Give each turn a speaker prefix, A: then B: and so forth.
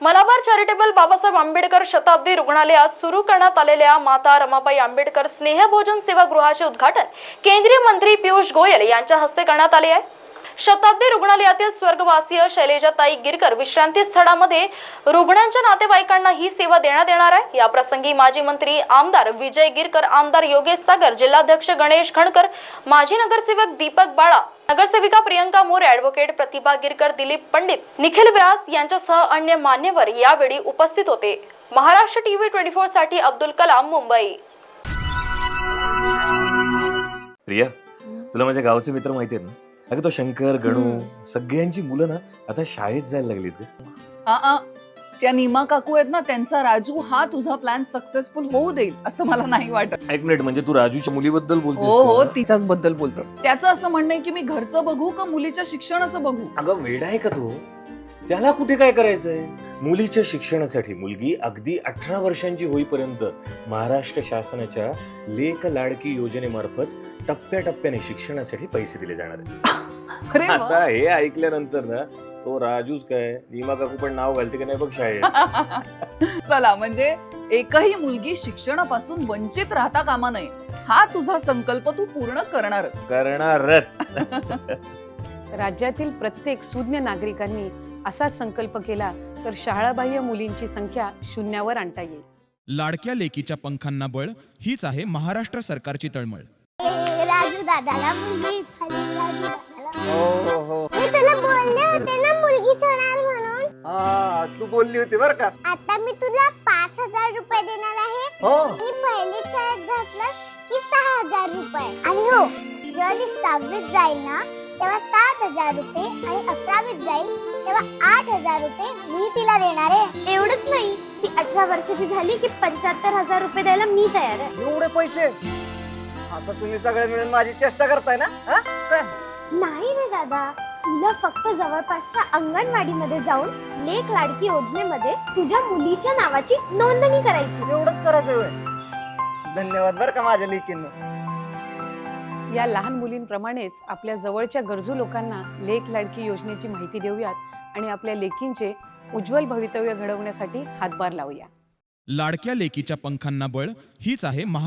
A: Malabar charitable Babasaheb Ambedkar शताब्दी रुग्णालयात सुरू करण्यात आलेल्या माता रमाबाई आंबेडकर स्नेहभोजन सेवागृहाचे उद्घाटन केंद्रीय मंत्री पियुष गोयल यांच्या हस्ते करण्यात आले आहे। शताब्दी रुग्णालयातील स्वर्गवासीय शैलेजाताई गिरकर विश्रांती स्थळामध्ये रुग्णांच्या नातेवाईकांना ही सेवा देण्यात येणार आहे। या प्रसंगी माजी मंत्री आमदार विजय गिरकर, आमदार योगेश सागर, जिल्हाध्यक्ष गणेश खणकर, माजी नगरसेवक दीपक बाळा, नगरसेविका प्रियंका मोरे, ॲडव्होकेट प्रतिभा गिरकर, दिलीप पंडित, निखिल व्यास यांच्यासह अन्य मान्यवर यावेळी उपस्थित होते। महाराष्ट्र टीव्ही 24 साठी अब्दुल कलाम, मुंबई।
B: प्रिया, तुला माझ्या गावचे मित्र माहिती आहेत ना? अगं तो शंकर, गणू, सगळ्यांची मुलं ना आता शाळेत जायला लागलीत।
C: त्या नीमा काकू आहेत ना, त्यांचा राजू हा तुझा प्लॅन सक्सेसफुल होऊ देईल असं मला नाही वाटत।
B: एक मिनिट, म्हणजे तू राजूच्या मुलीबद्दल बोलतोस?
C: हो, तिच्याच बद्दल बोलतो। त्याचं असं म्हणणं आहे की मी घरचं बघू का मुलीच्या शिक्षणाचं बघू?
B: अगं वेडा आहे का तू? त्याला कुठे काय करायचंय? मुलीच्या शिक्षणासाठी मुलगी अगदी 18 वर्षांची होईपर्यंत महाराष्ट्र शासनाच्या लेक लाडकी योजनेमार्फत टप्प्याटप्प्याने शिक्षणासाठी पैसे दिले जाणार आहेत।
C: अरे वा.
B: आता हे ऐकल्यानंतर ना तो राजूच काय, नीमा काकू पण नाव घालते की नाही बघ शाळेत।
C: चला, म्हणजे एकही मुलगी शिक्षणापासून वंचित राहता कामा नये हा तुझा संकल्प तू पूर्ण
B: करणारच।
D: राज्यातील प्रत्येक सुज्ञ नागरिकांनी असा संकल्प केला तर शाळाबाह्य मुलींची संख्या शून्यावर आणता येईल।
E: लाडक्या लेकीच्या पंखांना बळ हीच आहे महाराष्ट्र सरकारची तळमळ।
F: राजू दादाला मुलगी झाली, राजू दादाला।
G: हो
F: मी तुला बोलले होते ना मुलगी होणार म्हणून।
G: हा, तू बोलली होती बर का।
F: आता मी तुला 5,000 रुपये देणार आहे।
G: हो,
F: मी पहिली शाळेत घातलं की 6,000 रुपये। आणि हो, जेव्हा ती 6वीत जाईल ना तेव्हा 7,000 रुपये आणि 11वीत जाईल तेव्हा 8,000 रुपये मी तिला देणार आहे। एवढंच नाही, ती 18 वर्षाची झाली की 75,000 रुपये द्यायला मी तयार आहे।
G: एवढे पैसे? आता तुम्ही सगळे मिळून माझी चेष्टा करताय ना? काय?
F: नाही रे दादा, तुला फक्त जवळपासच्या अंगणवाडीमध्ये जाऊन लेक लाडकी योजनेमध्ये तुझ्या मुलीच्या नावाची नोंदणी करायची।
G: एवढंच करायचं होय? धन्यवाद बर का माझ्या लेकींना।
D: या लहान मुलींप्रमाणेच आपल्या जवळच्या गरजू लोकांना लेक लाडकी योजनेची माहिती देऊयात आणि आपल्या लेकींचे उज्ज्वल भवितव्य घडवण्यासाठी हातभार लावूया।
E: लाडक्या लेकीच्या पंखांना बळ हीच आहे